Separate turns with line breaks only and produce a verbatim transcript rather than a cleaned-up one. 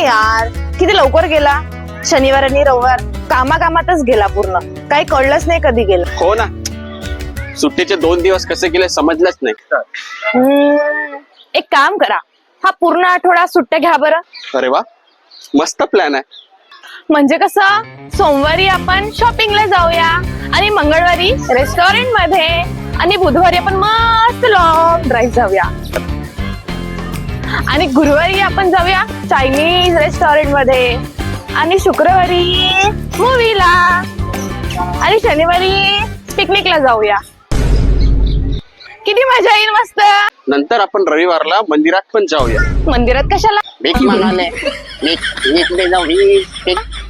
यार, किती लवकर गेला. शनिवार आणि रविवार कामा कामातच गेला पूर्ण. काही कळलंच नाही कधी गेला.
हो ना, सुट्टीचे दोन दिवस कसे गेले समजलंच नाही.
हम्म, एक काम करा, हा पूर्ण आठवडा सुट्ट्या घ्या बरं.
अरे वा, मस्त प्लॅन आहे.
म्हणजे कसं, सोमवारी आपण शॉपिंगला जाऊया आणि मंगळवारी रेस्टॉरंट मध्ये आणि बुधवारी आपण मस्त लॉंग ड्राईव्ह जाऊया आणि गुरुवारी आपण जाऊया चायनीज रेस्टॉरंट मध्ये आणि शुक्रवारी मूवीला आणि शनिवारी पिकनिकला जाऊया. किती मजा येईल मस्त.
नंतर आपण रविवारला मंदिरात पण जाऊया.
मंदिरात कशाला?
भीक म्हणाले भीक भीक दे जाऊ भीक भीक